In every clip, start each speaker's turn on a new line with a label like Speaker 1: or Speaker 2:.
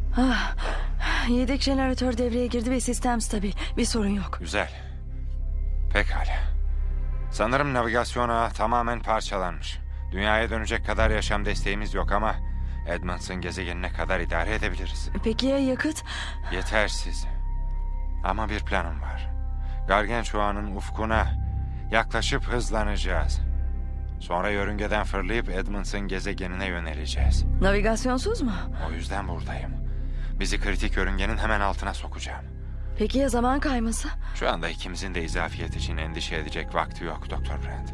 Speaker 1: Ah, yedek jeneratör devreye girdi ve sistem stabil. Bir sorun yok.
Speaker 2: Güzel. Pekala. Sanırım navigasyon ağı tamamen parçalanmış. Dünyaya dönecek kadar yaşam desteğimiz yok ama Edmonton gezegenine kadar idare edebiliriz.
Speaker 1: Peki ya yakıt?
Speaker 2: Yetersiz. Ama bir planım var. Gargantua'nın ufkuna yaklaşıp hızlanacağız. Sonra yörüngeden fırlayıp Edmonton gezegenine yöneleceğiz.
Speaker 1: Navigasyonsuz mu?
Speaker 2: O yüzden buradayım. Bizi kritik yörüngenin hemen altına sokacağım.
Speaker 1: Peki ya zaman kayması?
Speaker 2: Şu anda ikimizin de izafiyet için endişe edecek vakti yok Doktor Brand.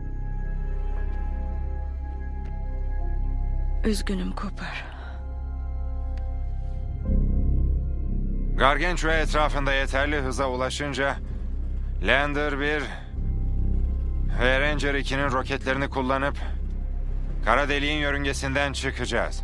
Speaker 1: Üzgünüm Cooper.
Speaker 2: Gargantua etrafında yeterli hıza ulaşınca Lander 1 ve Ranger 2'nin roketlerini kullanıp kara deliğin yörüngesinden çıkacağız.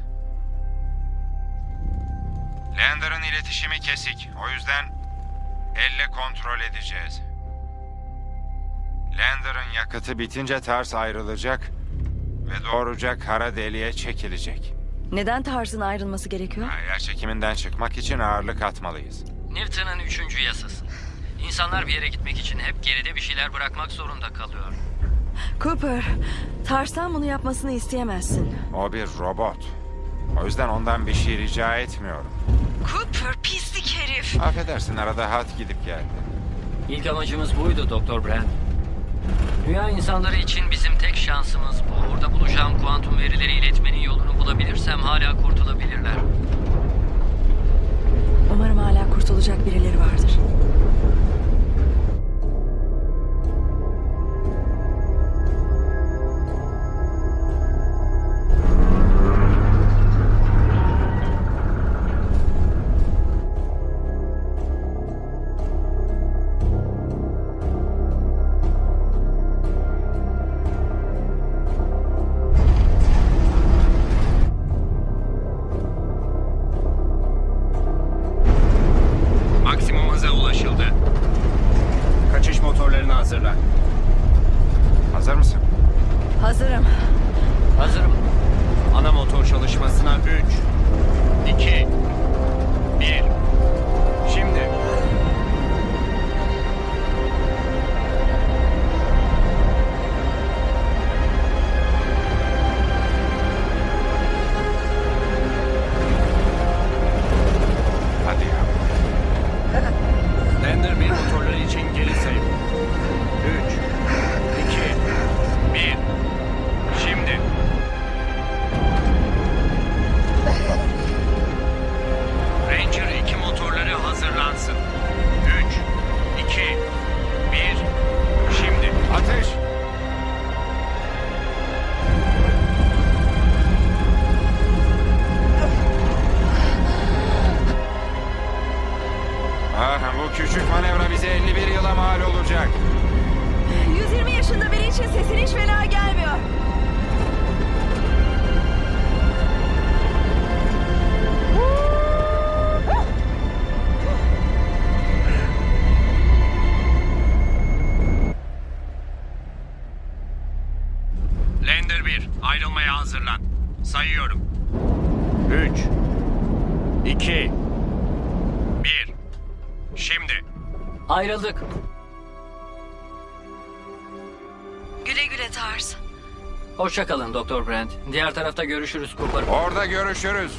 Speaker 2: Lander'ın iletişimi kesik. O yüzden elle kontrol edeceğiz. Lander'ın yakıtı bitince ters ayrılacak ve doğruca kara deliğe çekilecek.
Speaker 1: Neden Tars'ın ayrılması gerekiyor?
Speaker 2: Yer çekiminden çıkmak için ağırlık atmalıyız.
Speaker 3: Newton'un 3. yasası. İnsanlar bir yere gitmek için hep geride bir şeyler bırakmak zorunda kalıyor.
Speaker 1: Cooper, Tars'tan bunu yapmasını isteyemezsin.
Speaker 2: O bir robot. O yüzden ondan bir şey rica etmiyorum.
Speaker 1: Cooper, pislik herif.
Speaker 2: Affedersin, arada hat gidip geldi.
Speaker 3: İlk amacımız buydu Doktor Brand. Dünya insanları için bizim tek şansımız bu. Orada bulacağım kuantum verileri iletmenin yolunu bulabilirsem hala kurtulabilirler.
Speaker 1: Umarım hala kurtulacak birileri vardır.
Speaker 4: Maksimum hıza ulaşıldı. Kaçış motorlarını hazırla.
Speaker 2: Hazır mısın?
Speaker 1: Hazırım.
Speaker 3: Hazırım.
Speaker 4: Ana motor çalışmasına 3, 2, 1. Şimdi.
Speaker 2: Hadi ya.
Speaker 4: Lander 1 motorları için geri sayım. 3, 2, 1. Şimdi. Ranger 2 motorları hazırlansın. 3, 2, 1. Şimdi.
Speaker 2: Ateş! Bu küçük manevra bize 51 yıla mal olacak.
Speaker 1: 120 yaşında biri için sesin hiç fena gelmiyor.
Speaker 4: Lander 1, ayrılmaya hazırlan. Sayıyorum. 3, 2, 1. Şimdi.
Speaker 3: Ayrıldık.
Speaker 1: Güle güle Tars.
Speaker 3: Hoşça kalın Doktor Brand. Diğer tarafta görüşürüz Cooper.
Speaker 2: Orada görüşürüz.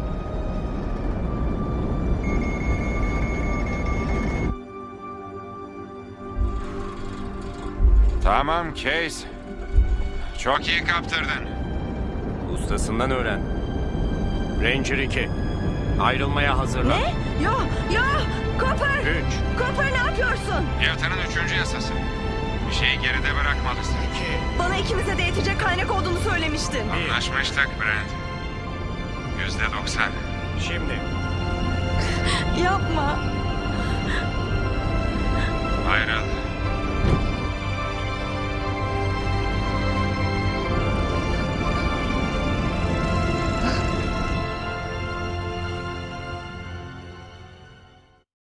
Speaker 2: Tamam Case. Çok iyi kaptırdın.
Speaker 4: Ustasından öğren. Ranger 2, ayrılmaya hazırlan.
Speaker 1: Ne? Yo, yo! Cooper!
Speaker 4: 3,
Speaker 1: Cooper ne yapıyorsun?
Speaker 2: Newton'un 3. yasası. Bir şeyi geride bırakmalısın.
Speaker 4: 2,
Speaker 1: Bana ikimize de yetecek kaynak olduğunu söylemiştin.
Speaker 2: Anlaşmıştık Brent. %90.
Speaker 4: şimdi.
Speaker 1: Yapma.